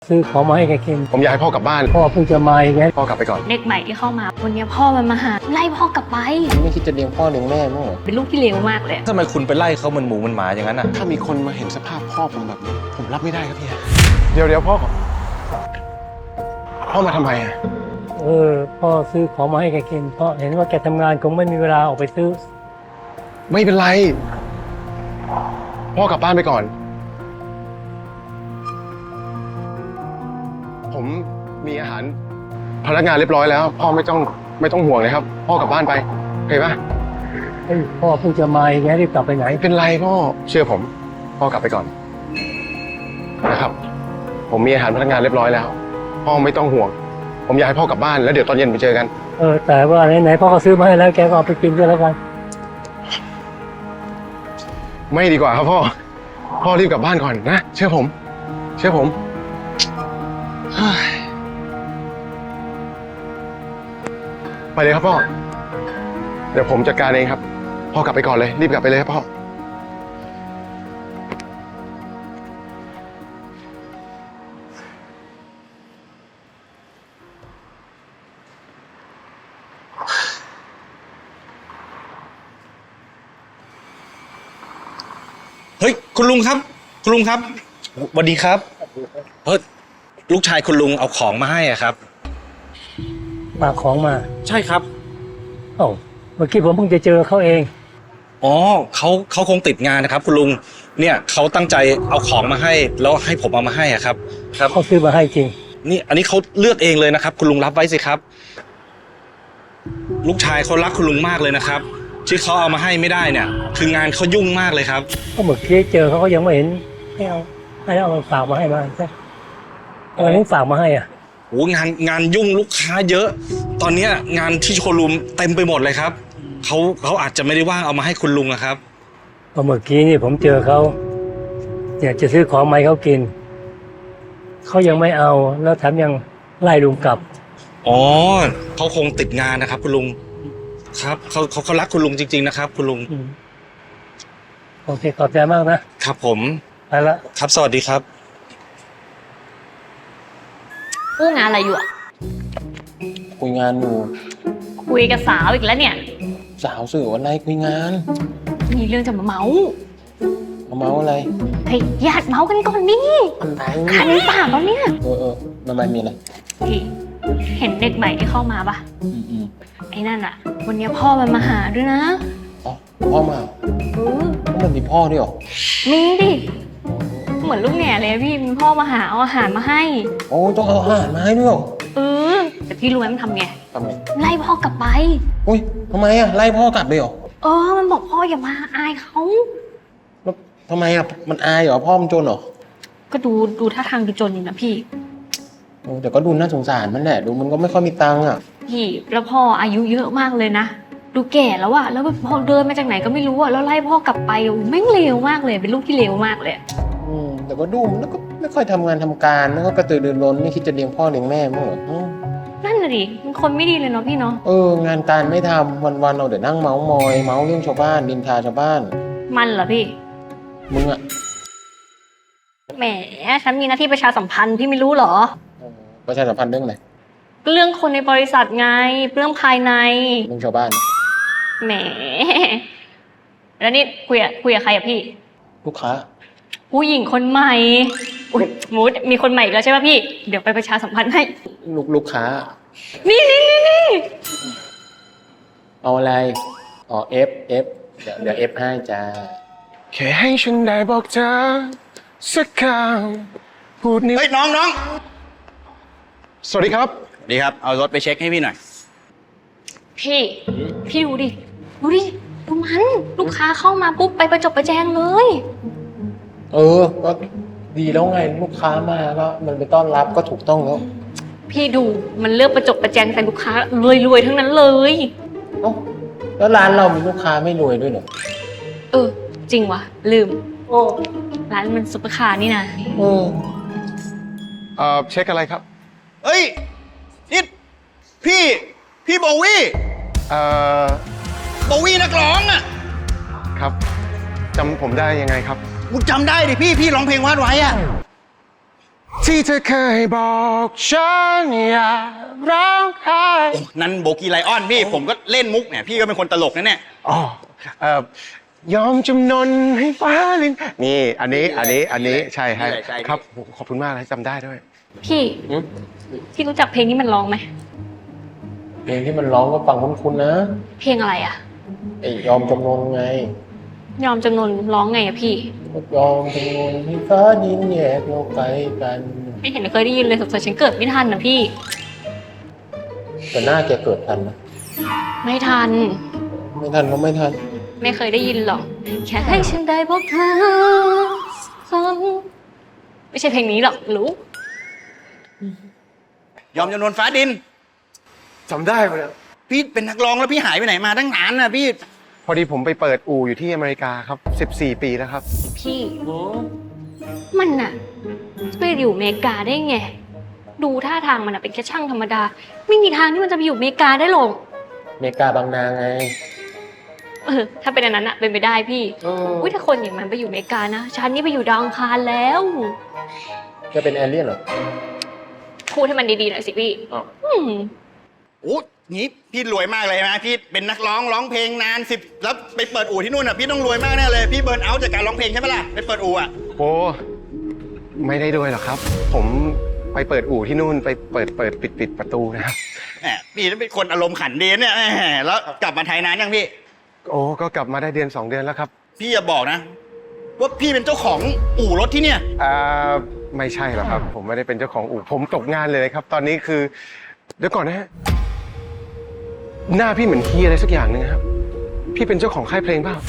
ซื้อของมาให้แกกินผมอยากให้พ่อกลับบ้านพ่อเพิ่งจะมาอย่างเงี้ยพ่อกลับไปก่อนเด็กใหม่ที่เข้ามาวันนี้พ่อมันมาหาไล่พ่อกลับไปไม่คิดจะเลี้ยงพ่อเลี้ยงแม่มั้งเหรอเป็นลูกที่เลวมากเลยทำไมคุณไปไล่เขาเหมือนหมูเหมือนหมาอย่างนั้นอ่ะถ้ามีคนมาเห็นสภาพพ่อผมแบบนี้ผมรับไม่ได้ครับพี่เดี๋ยวพ่อมาทำไมอ่ะพ่อซื้อของมาให้แกกินเพราะเห็นว่าแกทำงานคงไม่มีเวลาออกไปซื้อไม่เป็นไรพ่อกลับบ้านไปก่อนผมมีอาหารพนักงานเรียบร้อยแล้วพ่อไม่ต้องห่วงเลยครับพ่อกลับบ้านไปโอเคปะพ่อเพิ่งจะมาอย่างเงี้ยรีบกลับไปไหนไม่เป็นไรพ่อเชื่อผมพ่อกลับไปก่อนนะครับผมมีอาหารพนักงานเรียบร้อยแล้วพ่อไม่ต้องห่วงผมอยากให้พ่อกลับบ้านแล้วเดี๋ยวตอนเย็นไปเจอกันแต่ว่าไหนพ่อก็ซื้อมาให้แล้วแกก็เอาไปกินด้วยแล้วกันไม่ดีกว่าครับพ่อรีบกลับบ้านก่อนนะเชื่อผมไปเลยครับพ่อเดี๋ยวผมจัดการเองครับพ่อกลับไปก่อนเลยรีบกลับไปเลยครับพ่อเฮ้ยคุณลุงครับสวัสดีครับลูกชายคุณลุงเอาของมาให้อ่ะครับมาของมาใช่ครับเมื่อกี้ผมเพิ่งจะเจอเขาเองอ๋อเขาคงติดงานนะครับคุณลุงเนี่ยเขาตั้งใจเอาของมาให้แล้วให้ผมเอามาให้อ่ะครับเขาซื้อมาให้จริงนี่อันนี้เขาเลือกเองเลยนะครับคุณลุงรับไว้สิครับลูกชายเขารักคุณลุงมากเลยนะครับที่เขาเอามาให้ไม่ได้เนี่ยคืองานเขายุ่งมากเลยครับก็เมื่อกี้เจอเขาก็ยังไม่เห็นให้เอามาฝากมาให้มาใช่อะไรถึงฝากมาให้อ่ะโอ้งานยุ่งลูกค้าเยอะตอนนี้งานที่โชว์รูมเต็มไปหมดเลยครับเขาอาจจะไม่ได้ว่างเอามาให้คุณลุงนะครับเมื่อกี้นี่ผมเจอเขาอยากจะซื้อของมาให้เขากินเขายังไม่เอาแล้วแถมยังไล่ลุงกลับอ๋อเขาคงติดงานนะครับคุณลุงครับเขารักคุณลุงจริงๆนะครับคุณลุงโอเคขอบใจมากนะครับผมไปละครับสวัสดีครับกู้งานอะไรอยู่อ่ะคุยงานอยู่คุยกับสาวอีกแล้วเนี่ยสาวสื่ออะไรคุยงานมีเรื่องจะมาเมาอะไรเฮ้ยญาติเมากันก่อนนี่อะไรคันปากแล้วเนี่ยทำไมมีอะไรพี่เห็นเด็กใหม่ที่เข้ามาปะไอ้นั่นอ่ะวันนี้พ่อมันมาหาด้วยนะพ่อมามันมีพ่อด้วยหรอมีดิเหมือนลูกแง่เลยพี่มีพ่อมาหาเอาอาหารมาให้โอ้ต้องเอาอาหารมาให้ด้วยหรอแต่พี่รู้ไหมมันทำไงไล่พ่อกลับไปอุ้ยทำไมอ่ะไล่พ่อกลับไปหรอมันบอกพ่ออย่ามาอายเขาแล้วทำไมอ่ะมันอายเหรอพ่อมันจนเหรอก็ดูท่าทางดูจนอยู่นะพี่แต่ก็ดูน่าสงสารมันแหละดูมันก็ไม่ค่อยมีตังค์อ่ะพี่แล้วพ่ออายุเยอะมากเลยนะดูแก่แล้วอะแล้วพ่อเดินมาจากไหนก็ไม่รู้อะแล้วไล่พ่อกลับไปแม่งเลวมากเลยเป็นลูกที่เลวมากเลยแต่ก็ดูมันก็ไม่ค่อยทำงานทำการแล้วก็กระตือรือร้นไม่คิดจะเลี้ยงพ่อเลี้ยงแม่มั้งเหรอนั่นน่ะดิมันคนไม่ดีเลยเนาะพี่เนาะงานการไม่ทำวันๆเราเดี๋ยวนั่งเมาส์มอยเมาส์เรื่องชาวบ้านดินทาชาวบ้านมันเหรอพี่มึงอะแหมฉันมีหน้าที่ประชาสัมพันธ์พี่ไม่รู้เหรอประชาสัมพันธ์เรื่องอะไรเรื่องคนในบริษัทไงเรื่องภายในเรื่องชาวบ้านแหมแล้วนี่คุยกับใครอะพี่ลูกค้าผู้หญิงคนใหม่มูดมีคนใหม่อีกแล้วใช่ป่ะพี่เดี๋ยวไปประชาสัมพันธ์ให้ลูกค้านี่เอาอะไรF เดี๋ยว F ให้จ้าแค่ให้ฉันได้บอกเธอสักคำพูดนิดเฮ้ยน้องสวัสดีครับดีครับเอารถไปเช็คให้พี่หน่อยพี่ดูดิดูมันลูกค้าเข้ามาปุ๊บไปประจบประแจงเลยก็ดีแล้วไงลูกค้ามาก็มันไปต้อนรับก็ถูกต้องแล้วพี่ดูมันเลือกประจบประแจงแต่ลูกค้ารวยทั้งนั้นเลยแล้วร้านเรามีลูกค้าไม่รวยด้วยเหรอจริงวะลืมร้านมันซุปเปอร์คาร์นี่นะเช็คอะไรครับเฮ้ยนี่พี่โบวี่โบวี่นักร้องอ่ะครับจำผมได้ยังไงครับกูจำได้ดิพี่ร้องเพลงวาดไว้อะที่เธอเคยบอกฉันอย่าร้องไห้นั่นโบกี้ไลออนพี่ผมก็เล่นมุกเนี่ยพี่ก็เป็นคนตลกนะเนี่ยอ๋อยอมจำนนให้ฟ้าลินนี่อันนี้ใช่ให้ใช่ครับขอบคุณมากเลยจำได้ด้วยพี่รู้จักเพลงนี้มันร้องไหมเพลงที่มันร้องก็ฟังคุ้นๆนะเพลงอะไรอะไอ้ยอมจำนนไงยอมจำนนร้องไงอะพี่ยอมจำนนให้ฟ้าดินแยกเราไกลกันไม่เห็นเคยได้ยินเลยสงสัยฉันเกิดไม่ทันนะพี่แต่หน้าแกเกิดทันนะไม่ทันไม่ทันก็ไม่ทันไม่เคยได้ยินหรอกแค่ให้ฉันได้พบเธอซ้ำไม่ใช่เพลงนี้หรอกรู้ยอมจำนวนฟ้าดินจำได้ไหมเนี่ยพี่เป็นนักร้องแล้วพี่หายไปไหนมาตั้งนานน่ะพี่พอดีผมไปเปิดอู่อยู่ที่อเมริกาครับ14 ปีแล้วครับพี่มันน่ะไปอยู่อเมริกาได้ไง ดูท่าทางมันเป็นแค่ช่างธรรมดา ไม่มีทางที่มันจะไปอยู่อเมริกาได้หรอกอเมริกาบางนาไงถ้าเป็นอันนั้นอะเป็นไปได้พี่อุ้ยถ้าคนอย่างมันไปอยู่อเมริกานะฉันนี่ไปอยู่ดาวอังคารแล้วจะเป็นแอเลี่ยนเหรอพูดให้มันดีๆหน่อยสิพี่อ้าวโอ้งี้พี่รวยมากเลยนะพี่เป็นนักร้องเพลงนาน10แล้วไปเปิดอู่ที่นู่นอ่ะพี่ต้องรวยมากแน่เลยพี่เบิร์นเอาท์จากการร้องเพลงใช่ไหมล่ะไปเปิดอู่อ่ะโอ้ไม่ได้ด้วยหรอกครับ ผมไปเปิดอู่ที่นู่นไปเปิดปิดประตูนะครับแหมพี่เป็นคนอารมณ์ขันดีเนี่ยแหมแล้วกลับมาไทยนานยังพี่โอ้ก็กลับมาได้เดือน2 เดือนแล้วครับพี่อย่าบอกนะว่าพี่เป็นเจ้าของอู่รถที่เนี่ยไม่ใช่หรอกครับ ผมไม่ได้เป็นเจ้าของอู่ผมตกงานเลยครับ ตอนนี้คือเดี๋ยวก่อนนะฮะหน้าพี่เหมือนเฮียอะไรสักอย่างหนึงครับ พี่เป็นเจ้าของค่ายเพลงเปล่า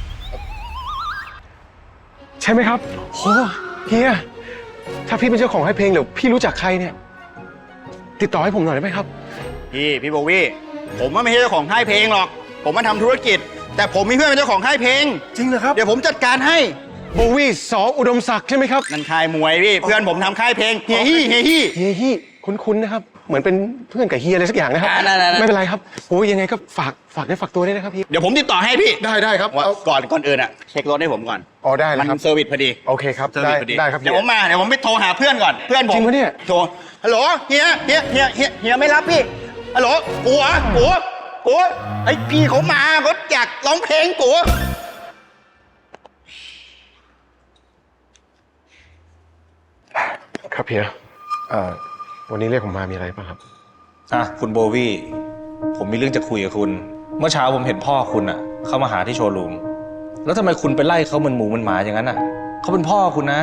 ใช่ไหมครับโหเฮียถ้าพี่เป็นเจ้าของค่ายเพลงเดี๋ยวพี่รู้จักใครเนี่ย ติดต่อให้ผมหน่อยได้ไหมครับพี่โบวี่ผมว่าไม่ใช่เจ้าของค่ายเพลงหรอก ผมมาทำธุรกิจ แต่ผมมีเพื่อนเป็นเจ้าของค่ายเพลงจริงเหรอครับเดี๋ยวผมจัดการให้โบวี่สออุดมศักดิ์ใช่ไหมครับนั่นค่ายมวยพี่เพื่อนผมทำค่ายเพลงเฮียฮี่เฮียฮี่คุ้นๆนะครับ เหมือนเป็นเพื่อนกับเฮียอะไรสักอย่างนะครับได้ๆๆไม่เป็นไรครับโอ้ยยังไงก็ฝากได้ฝากตัวด้วยนะครับพี่เดี๋ยวผมติดต่อให้พี่ได้ครับว่าเอาก่อนอื่นอ่ะเช็ครถให้ผมก่อนอ๋อได้เลยมันครับเซอร์วิสพอดีโอเคครับเซอร์วิสพอดีได้ครับเดี๋ยวผมไปโทรหาเพื่อนก่อนเพื่อนผมจริงปะเนี่ยโทรฮัลโหลเฮียไม่รับพี่ฮัลโหลกูไอ้พี่เขามาเขาอยากร้องเพลงกูครับเฮียวันนี้เรียกผมมามีอะไรป่ะครับคุณโบวี่ผมมีเรื่องจะคุยกับคุณ เมื่อเช้าผมเห็นพ่อคุณอะเข้ามาหาที่โชว์รูมแล้วทำไมคุณไปไล่เขาเหมือนหมูเหมือนหมาอย่างนั้นอะเขาเป็นพ่อคุณนะ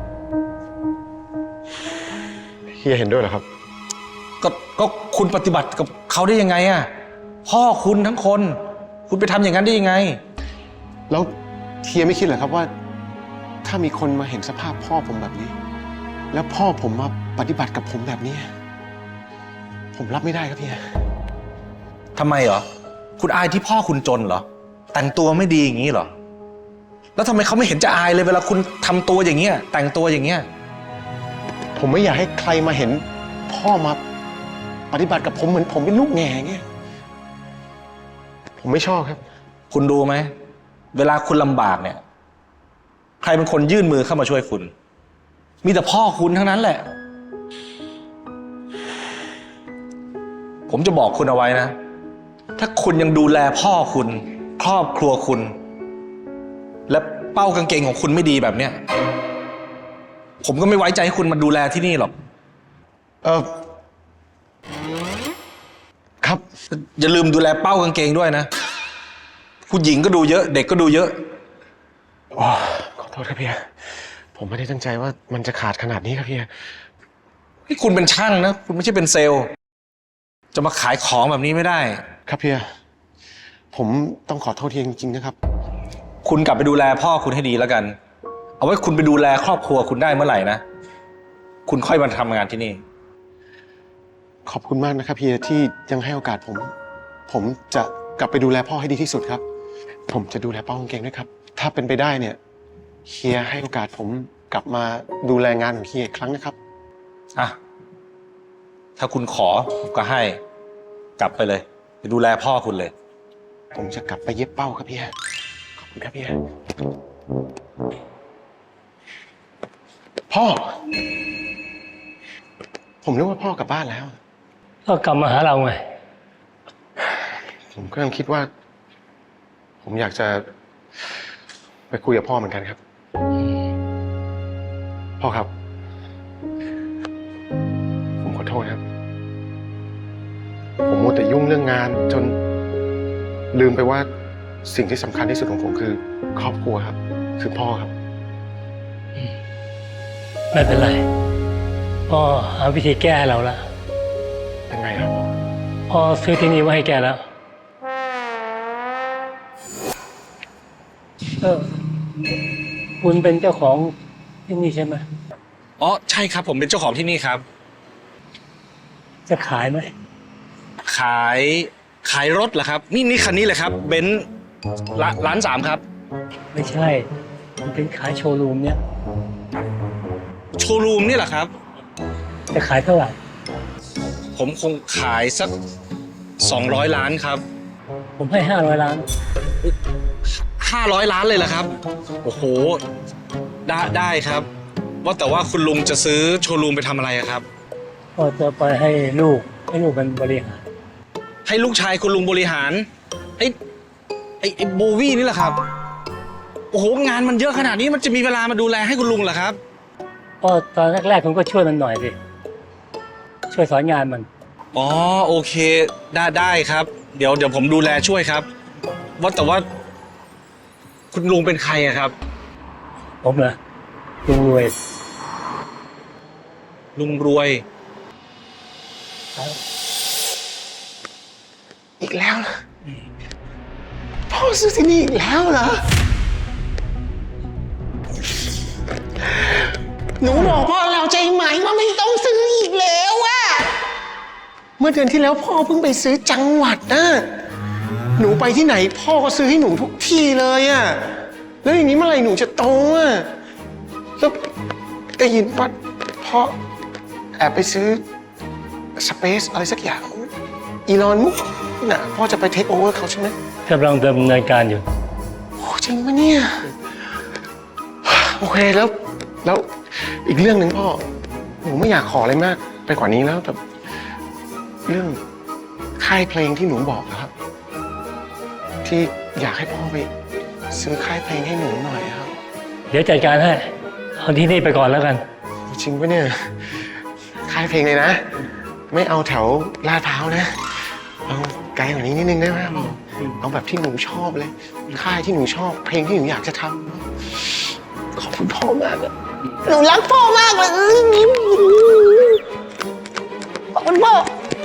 เฮียเห็นด้วยเหรอครับก็คุณปฏิบัติกับเขาได้ยังไงอะพ่อคุณทั้งคน คุณไปทำอย่างนั้นได้ยังไงแล้วเฮียไม่คิดเหรอครับว่า ถ้ามีคนมาเห็นสภาพพ่อผมแบบนี้ แล้วพ่อผมมาปฏิบัติกับผมแบบนี้ ผมรับไม่ได้ครับเฮียทำไมเหรอ คุณอายที่พ่อคุณจนเหรอ แต่งตัวไม่ดีอย่างนี้เหรอ แล้วทำไมเขาไม่เห็นจะอายเลยเวลาคุณทำตัวอย่างเงี้ยแต่งตัวอย่างเงี้ยผมไม่อยากให้ใครมาเห็นพ่อมาปฏิบัติกับผมเหมือนผมเป็นลูกแง่เงี้ย ผมไม่ชอบครับคุณดูไหมเวลาคุณลำบากเนี่ย ใครเป็นคนยื่นมือเข้ามาช่วยคุณ มีแต่พ่อคุณทั้งนั้นแหละ ผมจะบอกคุณเอาไว้นะ ถ้าคุณยังดูแลพ่อคุณ ครอบครัวคุณ และเป้ากางเกงของคุณไม่ดีแบบเนี้ยผมก็ไม่ไว้ใจให้คุณมาดูแลที่นี่หรอกครับอย่าลืมดูแลเป้ากางเกงด้วยนะผู้หญิงก็ดูเยอะ เด็กก็ดูเยอะอ๋อขอโทษครับเฮียผมไม่ได้ตั้งใจว่ามันจะขาดขนาดนี้ครับเฮียที่คุณเป็นช่างนะ คุณไม่ใช่เป็นเซลล์ จะมาขายของแบบนี้ไม่ได้ครับเฮียผมต้องขอโทษเฮียจริงๆนะครับคุณกลับไปดูแลพ่อคุณให้ดีแล้วกัน เอาไว้คุณไปดูแลครอบครัวคุณได้เมื่อไหร่นะ คุณค่อยมาทำงานที่นี่ขอบคุณมากนะครับเฮียที่ยังให้โอกาสผม ผมจะกลับไปดูแลพ่อให้ดีที่สุดครับ ผมจะดูแลเป้ากางเกงด้วยครับ ถ้าเป็นไปได้เนี่ยเฮียให้โอกาสผมกลับมาดูแลงานของเฮียอีกครั้งนะครับอ่ะ ถ้าคุณขอผมก็ให้ กลับไปเลย ไปดูแลพ่อคุณเลยผมจะกลับไปเย็บเป้าครับเฮียขอบคุณครับเฮียพ่อผมนึกว่าพ่อกลับบ้านแล้วก็กลับมาหาเราไงผมก็ยังคิดว่า ผมอยากจะไปคุยกับพ่อเหมือนกันครับ พ่อครับ ผมขอโทษครับ ผมมัวแต่ยุ่งเรื่องงานจนลืมไปว่าสิ่งที่สำคัญที่สุดของผมคือครอบครัวครับ คือพ่อครับไม่เป็นไรพ่อหาวิธีแก้ให้เราละยังไงครับพ่อซื้อที่นี่ไว้ให้แกแล้วคุณเป็นเจ้าของที่นี่ใช่ไหมอ๋อใช่ครับผมเป็นเจ้าของที่นี่ครับจะขายไหมขายรถเหรอครับ นี่คันนี้เลยครับเบนซ์ล้านสามครับไม่ใช่ มันเป็นขายโชว์รูมเนี่ยโชว์รูมนี่แหละครับจะขายเท่าไหร่ผมคงขายสัก200 ล้านครับผมให้500 ล้าน 500 ล้านเลยเหรอครับโอ้โหได้ครับ ว่าแต่ว่าคุณลุงจะซื้อโชว์รูมไปทำอะไรอะครับก็จะไปให้ลูกมันบริหารให้ลูกชายคุณลุงบริหารไอ้โบวี่นี่แหละครับโอ้โหงานมันเยอะขนาดนี้มันจะมีเวลามาดูแลให้คุณลุงเหรอครับก็ตอนแรกๆคุณก็ช่วยมันหน่อยสิ ช่วยสอนงานมันอ๋อโอเคได้ครับ เดี๋ยวผมดูแลช่วยครับว่าแต่ว่า คุณลุงเป็นใครอะครับผมเหรอลุงรวยลุงรวยอีกแล้วนะพ่อซื้อที่นี่อีกแล้วเหรอ หนูบอกพ่อแล้วใจไหมว่าไม่ต้องซื้ออีกแล้วอะเมื่อเดือนที่แล้วพ่อเพิ่งไปซื้อจังหวัดนะหนูไปที่ไหนพ่อก็ซื้อให้หนูทุกที่เลยอะแล้วอย่างนี้เมื่อไหร่หนูจะโตอะแล้วได้ยินว่าพ่อแอบไปซื้อสเปซอะไรสักอย่างอีลอนมุกน่ะพ่อจะไปเทคโอเวอร์เขาใช่ไหมกำลังดำเนินการอยู่โอ้จริงปะเนี่ย โอเคแล้วอีกเรื่องหนึ่งพ่อหนูไม่อยากขออะไรมากไปกว่านี้แล้วแต่เรื่องค่ายเพลงที่หนูบอกนะครับ ที่อยากให้พ่อไปซื้อค่ายเพลงให้หนูหน่อยครับเดี๋ยวจัดการให้ เอาที่นี่ไปก่อนแล้วกันจริงปะเนี่ยค่ายเพลงเลยนะ ไม่เอาแถวลาดพร้าวนะเอาไกลกว่านี้นิดนึงได้ไหมเอาแบบที่หนูชอบเลย ค่ายที่หนูชอบเพลงที่หนูอยากจะทำขอบคุณพ่อมากอะหนูรักพ่อมากเลยขอบคุณพ่อ